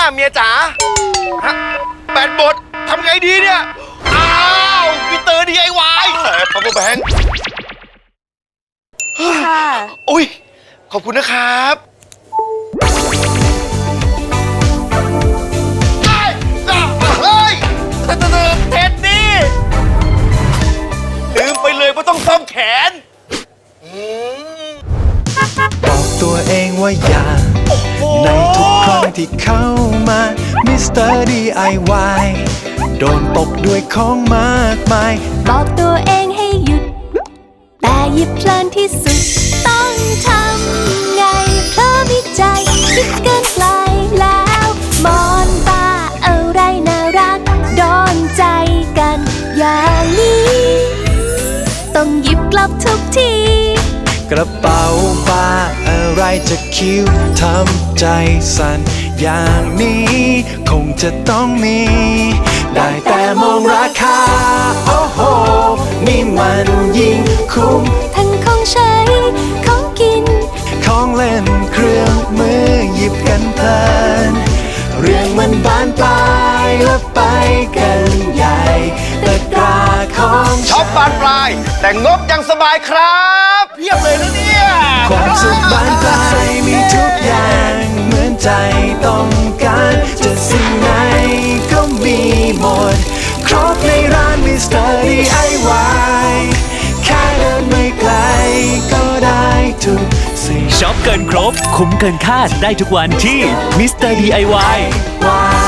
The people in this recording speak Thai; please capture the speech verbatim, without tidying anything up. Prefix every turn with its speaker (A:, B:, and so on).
A: เมียจ๋าฮะแบตหมดทำไงดีเนี่ย อ้าวมิสเตอร์ ดี ไอ วาย พาวเวอร์แบงค์
B: ค่ะ
A: อุ้ยขอบคุณนะครับเฮ้ยเท็ดดี้ลืมไปเลยว่าต้องซ่อมแขน
C: บอกตัวเองว่าอย่าในทุกครั้งที่เข้ามามิสเตอร์ ดี ไอ วาย โดนตกด้วยของมากมาย
B: บอกตัวเองให้หยุด แต่หยิบเพลินที่สุด ต้องทำไงเพราะวิจัยคิดเกินไกลแล้วมอนตาอะไรน่ารักโดนใจกันอย่างนี้ ต้องหยิบกลับทุกที
C: กระเป๋าป้าอะไรจะคิ้วทำใจสั่นอย่างนี้ คงจะต้องมี ได้แต่มองราคา โอ้โห นี่มันยิ่งคุ้ม
B: ทั้งของใช้ ของกิน
C: ของเล่นเครื่องมือหยิบกันเพลิน เรื่องมันบานปลายและไปกันใหญ่ตะกร้าของ
A: ช็อปบานปลาย แต่งบยังสบายครับเพียบเลยนะเนี่ย
C: ความสุขบานปลายมีทุกอย่างเหมือนใจต้องการจะสิ่งไหนก็มีหมด ครบในร้านมิสเตอร์ ดี ไอ วาย แค่เดินไม่ไกลก็ได้ทุกสิ่ง
D: ช็อปเกินครบ คุ้มเกินคาดได้ทุกวันที่มิสเตอร์ ดี ไอ วาย
C: วาย